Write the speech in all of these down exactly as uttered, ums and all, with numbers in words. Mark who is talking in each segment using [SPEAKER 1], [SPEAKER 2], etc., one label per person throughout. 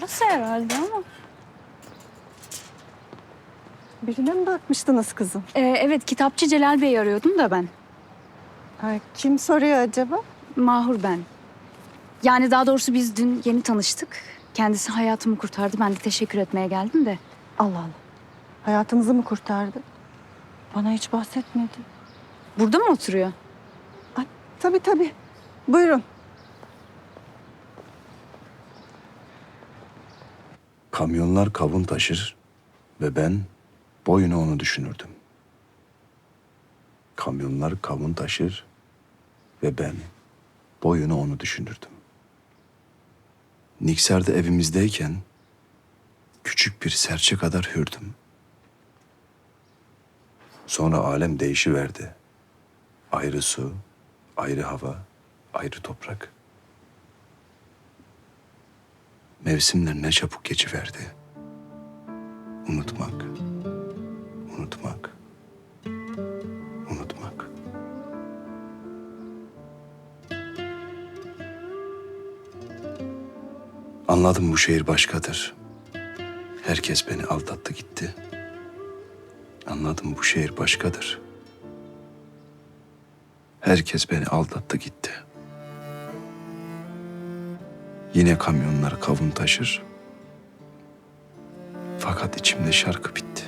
[SPEAKER 1] Burası herhalde ama.
[SPEAKER 2] Birine mi bakmıştınız kızım?
[SPEAKER 1] Ee, evet, kitapçı Celal Bey'i arıyordum da ben.
[SPEAKER 2] Ay, kim soruyor acaba?
[SPEAKER 1] Mahur ben. Yani daha doğrusu biz dün yeni tanıştık. Kendisi hayatımı kurtardı. Ben de teşekkür etmeye geldim de.
[SPEAKER 2] Allah Allah. Hayatınızı mı kurtardı? Bana hiç bahsetmedi.
[SPEAKER 1] Burada mı oturuyor?
[SPEAKER 2] Ay, tabii tabii. Buyurun.
[SPEAKER 3] Kamyonlar kavun taşır ve ben boyuna onu düşünürdüm. Kamyonlar kavun taşır ve ben boyuna onu düşünürdüm. Niksar'da evimizdeyken küçük bir serçe kadar hürdüm. Sonra alem değişiverdi. Ayrı su, ayrı hava, ayrı toprak. Mevsimler ne çabuk geçiverdi. Unutmak, unutmak, unutmak. Anladım bu şehir başkadır. Herkes beni aldattı gitti. Anladım bu şehir başkadır. Herkes beni aldattı gitti. Yine kamyonlar kavun taşır. Fakat içimde şarkı bitti.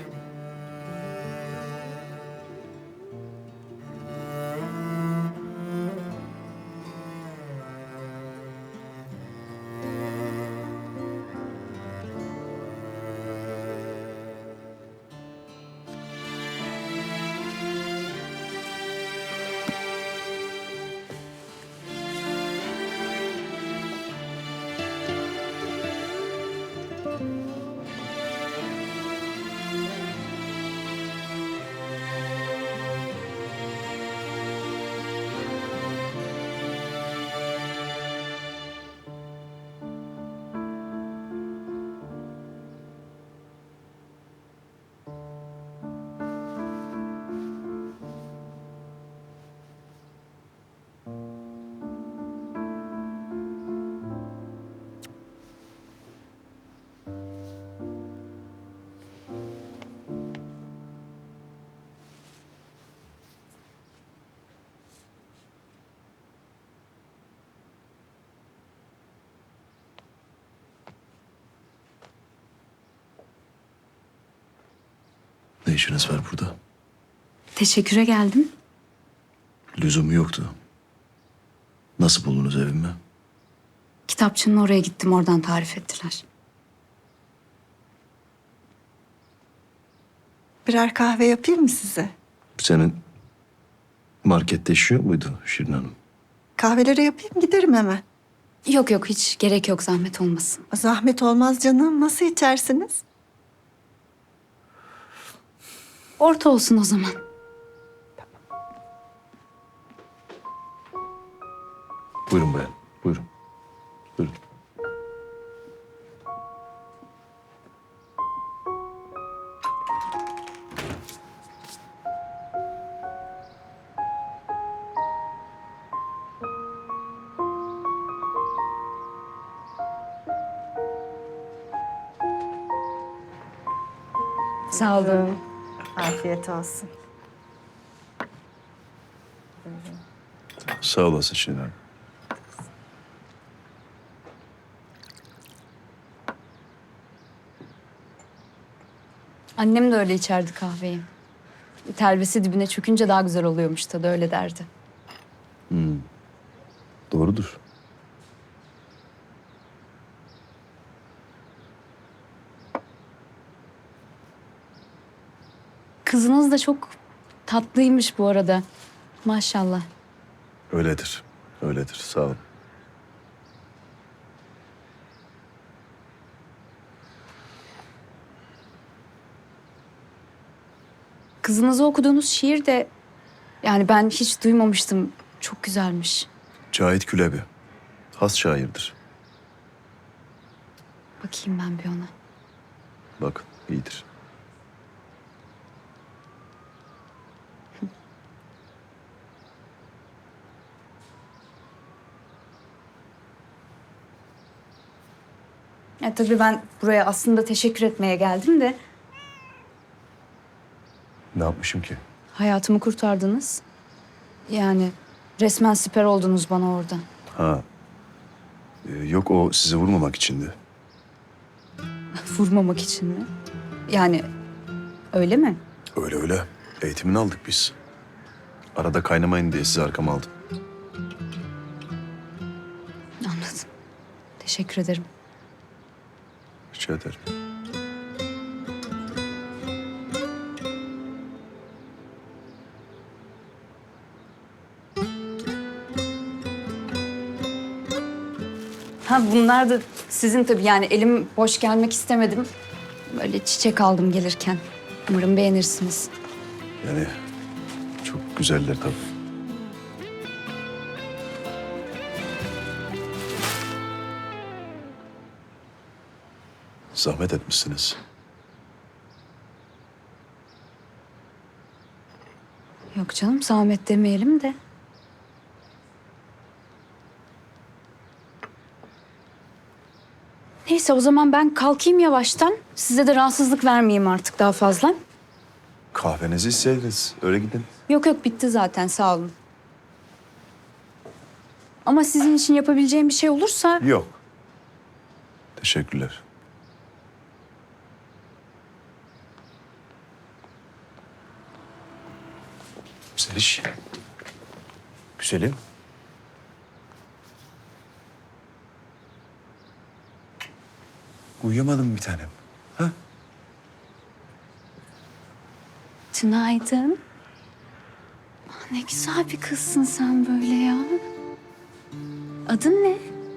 [SPEAKER 3] Ne işiniz var burada?
[SPEAKER 1] Teşekküre geldim.
[SPEAKER 3] Lüzumu yoktu. Nasıl buldunuz evimi?
[SPEAKER 1] Kitapçının oraya gittim. Oradan tarif ettiler.
[SPEAKER 2] Birer kahve yapayım mı size?
[SPEAKER 3] Senin markette işi yok muydu Şirin Hanım?
[SPEAKER 2] Kahveleri yapayım giderim hemen.
[SPEAKER 1] Yok yok, hiç gerek yok, zahmet olmasın.
[SPEAKER 2] Zahmet olmaz canım. Nasıl içersiniz?
[SPEAKER 1] Orta olsun o zaman.
[SPEAKER 3] Buyurun bayan, buyurun. Buyurun.
[SPEAKER 1] Sağ olun.
[SPEAKER 2] Afiyet olsun.
[SPEAKER 3] Sağ olasın Şirin Hanım.
[SPEAKER 1] Annem de öyle içerdi kahveyi. Telvesi dibine çökünce daha güzel oluyormuş tadı, öyle derdi.
[SPEAKER 3] Doğrudur.
[SPEAKER 1] Kızınız da çok tatlıymış bu arada. Maşallah.
[SPEAKER 3] Öyledir, öyledir. Sağ olun.
[SPEAKER 1] Kızınıza okuduğunuz şiir de yani ben hiç duymamıştım. Çok güzelmiş.
[SPEAKER 3] Cahit Külebi. Has şairdir.
[SPEAKER 1] Bakayım ben bir ona.
[SPEAKER 3] Bakın, iyidir.
[SPEAKER 1] Ya tabii ben buraya aslında teşekkür etmeye geldim de
[SPEAKER 3] Ne yapmışım ki?
[SPEAKER 1] hayatımı kurtardınız. Yani resmen siper oldunuz bana orada.
[SPEAKER 3] Ha. Ee, yok o sizi vurmamak içindi.
[SPEAKER 1] Vurmamak için mi? Yani öyle mi?
[SPEAKER 3] Öyle öyle. Eğitimini aldık biz. Arada kaynamayın diye sizi arkama aldım.
[SPEAKER 1] Anladım. Teşekkür ederim.
[SPEAKER 3] Rica ederim.
[SPEAKER 1] Ha bunlar da sizin tabii yani elim boş gelmek istemedim. Böyle çiçek aldım gelirken. Umarım beğenirsiniz.
[SPEAKER 3] Yani çok güzeller tabii. Zahmet etmişsiniz.
[SPEAKER 1] Yok canım zahmet demeyelim de. Neyse o zaman ben kalkayım yavaştan. Size de rahatsızlık vermeyeyim artık daha fazla.
[SPEAKER 3] Kahvenizi içseydiniz. Öyle gidin.
[SPEAKER 1] Yok yok bitti zaten sağ olun. Ama sizin için yapabileceğim bir şey olursa...
[SPEAKER 3] Yok. Teşekkürler. Zeliş. Güzelim. Uyuyamadın mı bir tanem? Ha?
[SPEAKER 1] Günaydın. Ah, ne güzel bir kızsın sen böyle ya. Adın ne?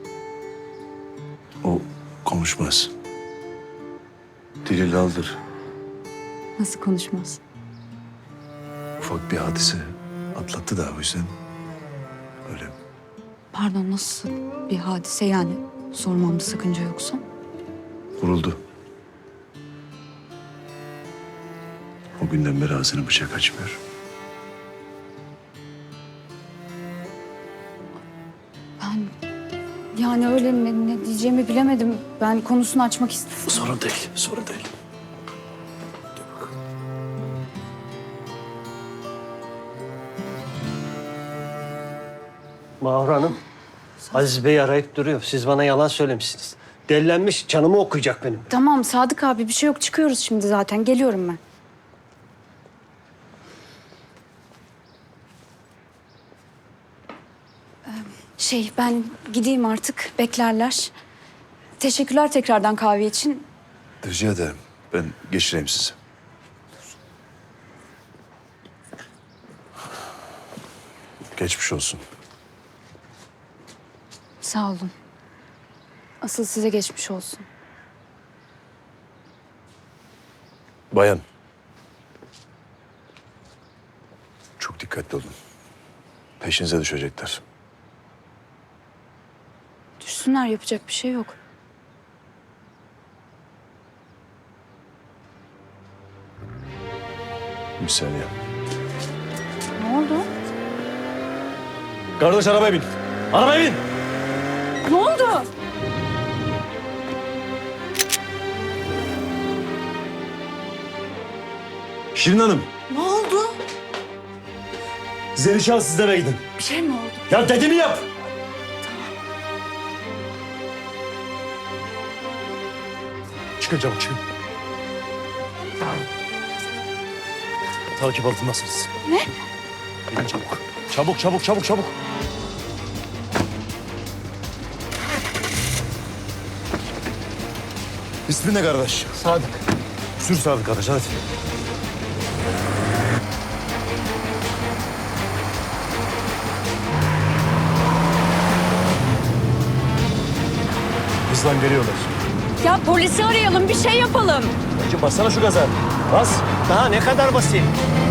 [SPEAKER 3] O konuşmaz. Dili laldır.
[SPEAKER 1] Nasıl konuşmaz?
[SPEAKER 3] Ufak bir hadise atlattı da o yüzden öyle.
[SPEAKER 1] Pardon nasıl bir hadise yani? Sormamda sakınca yoksa.
[SPEAKER 3] Vuruldu. O günden beri ağzını bıçak açmıyor.
[SPEAKER 1] Ben yani öyle ne, ne diyeceğimi bilemedim. Ben konusunu açmak istedim.
[SPEAKER 3] Sorun değil, sorun değil. Dur bakalım.
[SPEAKER 4] Mahur Hanım, Aziz Bey arayıp duruyor. Siz bana yalan söylemişsiniz. Delilenmiş, canımı okuyacak benim.
[SPEAKER 1] Tamam Sadık abi bir şey yok çıkıyoruz şimdi zaten. Geliyorum ben. Ee, Şey ben gideyim artık beklerler. Teşekkürler tekrardan kahve için.
[SPEAKER 3] Rica ederim. Ben geçireyim sizi. Geçmiş olsun.
[SPEAKER 1] Sağ olun. Asıl size geçmiş olsun.
[SPEAKER 3] Bayan. Çok dikkatli olun. Peşinize düşecekler.
[SPEAKER 1] Düşsünler yapacak bir şey yok.
[SPEAKER 3] Bir saniye.
[SPEAKER 1] Ne oldu?
[SPEAKER 4] Kardeş arabaya bin. Arabaya bin.
[SPEAKER 1] Ne oldu?
[SPEAKER 4] Şirin Hanım,
[SPEAKER 1] Ne oldu?
[SPEAKER 4] Zelişan siz de eve gidin.
[SPEAKER 1] Bir şey mi oldu?
[SPEAKER 4] Ya dediğimi yap. Çıkın çabuk çıkın. Takip altındasınız.
[SPEAKER 1] Ne?
[SPEAKER 4] Gidin çabuk. Çabuk çabuk çabuk çabuk.
[SPEAKER 3] İsmin ne kardeş?
[SPEAKER 4] Sadık.
[SPEAKER 3] Sür Sadık kardeş hadi. Hızlan geliyorlar.
[SPEAKER 1] Ya polisi arayalım bir şey yapalım.
[SPEAKER 4] Hacı bassana şu gaza. Bas. Daha ne kadar basayım?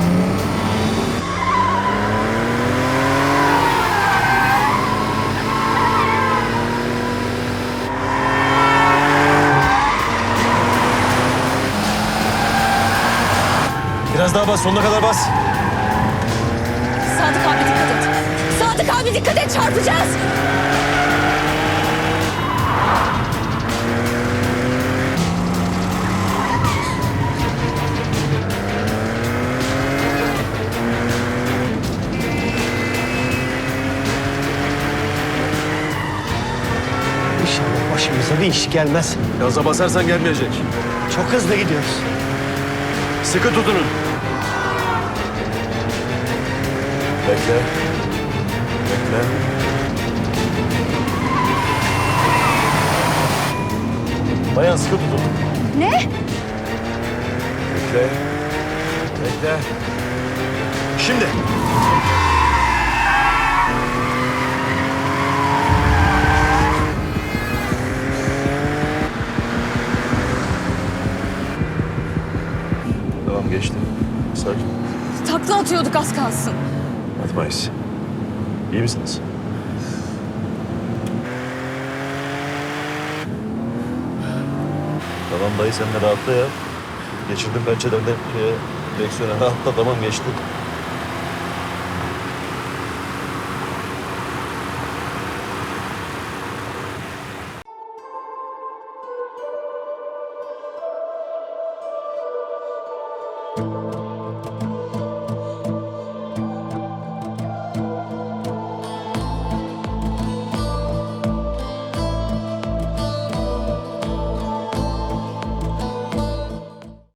[SPEAKER 3] Biraz daha bas, sonuna kadar bas.
[SPEAKER 1] Sadık abi dikkat et. Sadık abi dikkat et çarpacağız.
[SPEAKER 4] İnşallah başımıza bir iş gelmez.
[SPEAKER 5] Gaza basarsan gelmeyecek.
[SPEAKER 4] Çok hızlı gidiyoruz.
[SPEAKER 5] Sıkı tutunun. Bekle. Bekle. Bayan sıkı tutun.
[SPEAKER 1] Ne?
[SPEAKER 5] Bekle. Bekle. Şimdi. Tamam geçti. Sakin.
[SPEAKER 1] Takla atıyorduk az kalsın.
[SPEAKER 5] Atmayız. İyi misiniz? Tamam dayı sen de rahatla ya. Geçirdim pençeden de şeye, direksiyona rahatla tamam geçti.